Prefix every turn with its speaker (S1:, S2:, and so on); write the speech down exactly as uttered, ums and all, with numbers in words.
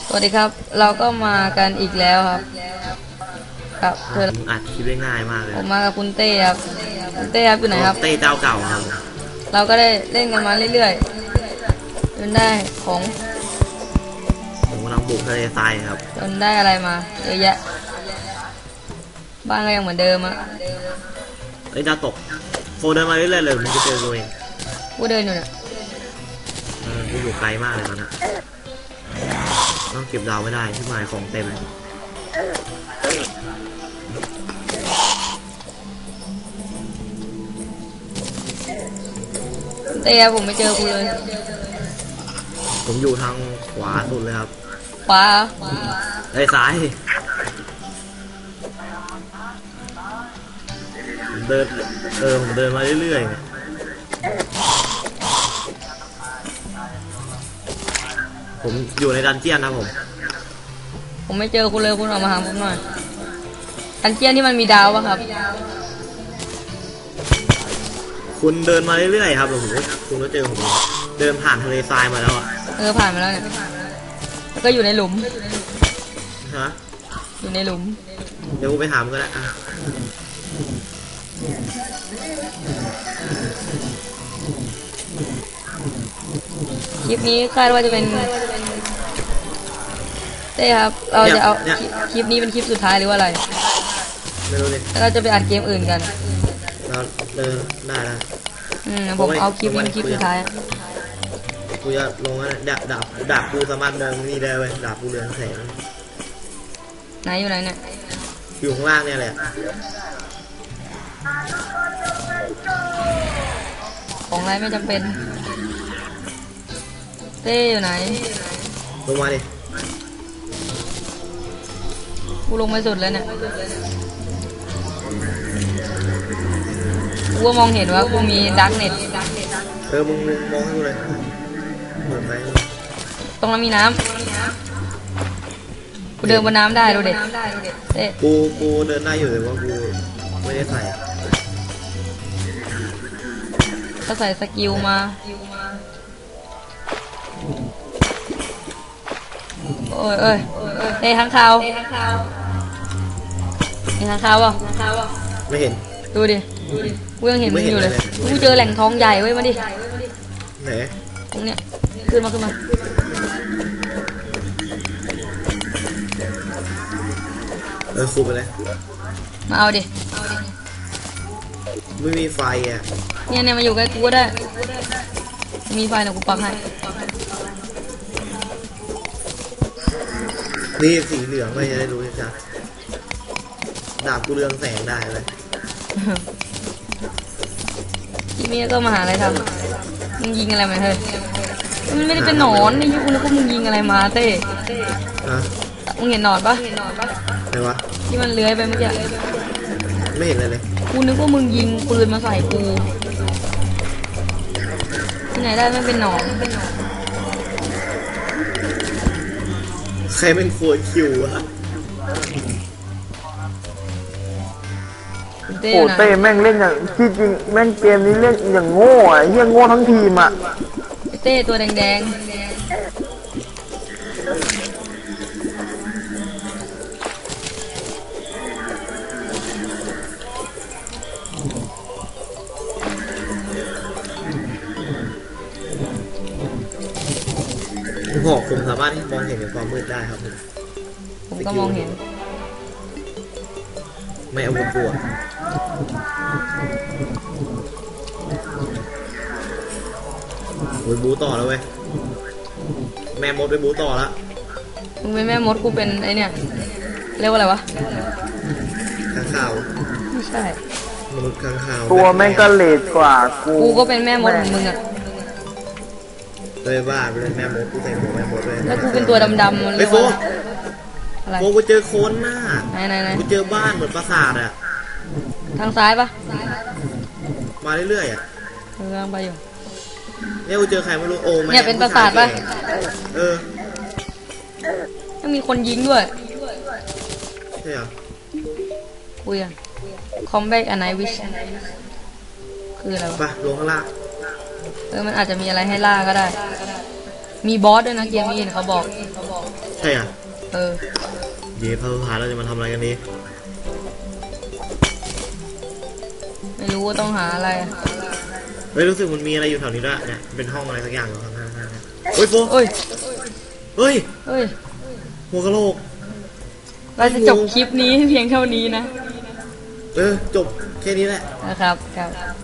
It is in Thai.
S1: สวัสดีครับเราก็มากันอีกแล้วครับครับเพื่อน
S2: อัดคลิปได้ง่ายมากเลย
S1: ผมมากับคุณเต้ครับคุณเต้ครับอยู่ไหนครับ
S2: เต้เจ้าเก่าครับ
S1: เราก็ได้เล่นกันมาเรื่อยๆจนได้ของ
S2: ผมกำลังบุกทะเลทรายครับ
S1: จนได้อะไรมาเยอะแยะบ้านก็ยังเหมือนเดิมอะ
S2: เอ้ยดาวตกโฟเดินมาเรื่อยๆเลยมันจะเจอตัวเอง
S1: กูเดินอยู่เนี่ย
S2: เออกูอยู่ไกลมากเลยตอนนี้ต้องเก็บดาวไม่ได้ที่หมายของเต็ม
S1: เต้ครับผมไม่เจอกูเลย
S2: ผมอยู่ทางขวาสุดเลยครับ
S1: ขวา
S2: ไอ้ซ้ายเดินเออผมเดินมาเรื่อยๆผมอยู่ในดันเจียนนะผม
S1: ผมไม่เจอคุณเลยคุณออกมาหาผมหน่อยดันเจียนที่มันมีดาวป่ะครับ
S2: คุณเดินมาเรื่อยๆครับผมคุณก็เจอผมเดินผ่านทะเลทรายมาแล้วอ่ะ
S1: เออผ่านมาแล้วเนี่ยแล้วก็อยู่ในหลุม
S2: ฮะ
S1: อยู่ในหลุม
S2: เดี๋ยวกูไปถามก็ได้
S1: คลิปนี้คาดว่าจะเป็นเต้ครับเราจะเอาคลิปนี้เป็นคลิปสุดท้ายหรือว่าอะไร
S2: ไม่รู้เลย
S1: แล้วเราจะไปอัดเกมอื่นกัน
S2: เราเออได้นะ
S1: อืมผมเอาคลิปนี้เป็นคลิปสุดท้าย
S2: กูจะลงนะดาบดาบดาบกูสามารถมองนี่ได้เว้ยดาบกูเรืองแสง
S1: ไหนอยู่ไหนเนี่ย
S2: อยู่ข้างล่างเนี่ยแหละ
S1: ของอะไรไม่จำเป็นเต้อยู่ไหน
S2: ลงมาดิ
S1: กูลงไปสุดแล้วเนี่ยกูมองเห็นว่ากูมีดักเน็ต
S2: เออมึงมองให้กูเลยเปิดไหม
S1: ตรงนั้นมีน้ำกูเดินบนน้ำได้ดูเด็ดเต้
S2: กูกูเดินได้อยู่แต่ว่ากูไม่ได้ใส่
S1: ก็ใส่สกิลมาโอ้ยเอ้ยเต้ข้างคาวเห็นข้างคาวป่ะ
S2: ไม่เห็น
S1: ดูดิกูยังเห็นมึงอยู่เลยกูเจอแหล่งทองใหญ่เว้ยมาดิ
S2: ไหน
S1: ตรงเนี้ยขึ้นมาขึ้นมา
S2: เออคูไปเลย
S1: มาเอาดิ
S2: ไม่มีไฟอ่ะ
S1: เนี่ยเนี่ยมาอยู่ใกล้กูก็ได้มีไฟนะกูปักให้
S2: นี่สีเหลืองไม่จะได้รู้จ้ะดาบกูเรืองแสงได้เลย
S1: ทีนี้ก็มาหาอะไรทำมึงยิงอะไรมาเฮ้ยมันไม่ได้เป็นหนอนนี่ยุคนึกว่ามึงยิงอะไรมาเต้มึงเห็นหนอนปะ
S2: ไหนวะ
S1: ที่มันเลื้อยไปเมื่อกี้
S2: ไม่เห็นเลยเลย
S1: กูนึกว่ามึงยิงปืนมาใส่กูที่ไหนได้ไม่เป็นหนอน
S2: ใครเป็นโคตรคิวอะ
S3: โอ้เต้แม่งเล่นอย่างที่จริงแม่งเกมนี้เล่นอย่างโง่อะเฮี้ยโง่ทั้งทีมอะ
S1: เต้ตัวแดงๆ
S2: หอกผมสามารถมองเห็นในความมืดได้ครับ
S1: ผมก็มองเห็น
S2: ไม่อาวุธกลัวโอ้ยบูต่อแล้วเว้ยแม่มดไปบูต่อแล้ว
S1: มึงเป็นแม่มดกูเป็นไอเนี่ยเรียกว่าอะไรวะ
S2: ข้างข่าว
S1: ไม่ใช่
S2: มนุษย์ข้างข่าว
S3: ตัวแม่งก็เลดกว่ากู
S1: กูก็เป็นแม่มดของมึงอะ
S2: เลยว่าเป็นแม่มดกูใส่หัวแม่มดเลย
S1: แล้วกูเป็นตัวดำๆ
S2: เลยโฟโฟกูเจอโคนหน้า
S1: ไหนไหนไหน
S2: กูเจอบ้านเหมือนปราสาทอะ
S1: ทางซ้ายปะ
S2: มาเรื่อยๆอะ
S1: เรื่องไปอยู่
S2: เนี่ยกูเจอใครไม่รู้โอ้
S1: เนี่ยเป็นปราสาทปะ
S2: เออ
S1: ยังมีคนยิงด้วย
S2: ใช่เหรอ
S1: คุยอะ Combat a Night Wish คืออะไรวะ
S2: ไปลงข้างล่าง
S1: เออมันอาจจะมีอะไรให้ล่าก็ได้มีบอสด้วยนะเกมนี้เขาบอก
S2: ใช่อ่ะ
S1: เออ
S2: เดี๋ยวพาพาเราจะมาทำอะไรกันนี้
S1: ไม่รู้ว่าต้องหาอะไรอะ
S2: เฮ้ยรู้สึกมันมีอะไรอยู่แถวนี้ด้วยเนี่ยเป็นห้องอะไรสักอย่างอยู่ข้างหน้าเนี่ยเฮ้ยโฟ
S1: เอ้ย
S2: เฮ้ย
S1: เอ้ย
S2: หัวกะโหลก
S1: เราจะจบคลิปนี้เพียงเท่านี้นะ
S2: เออจบแค่นี้แหละ
S1: นะครับครับ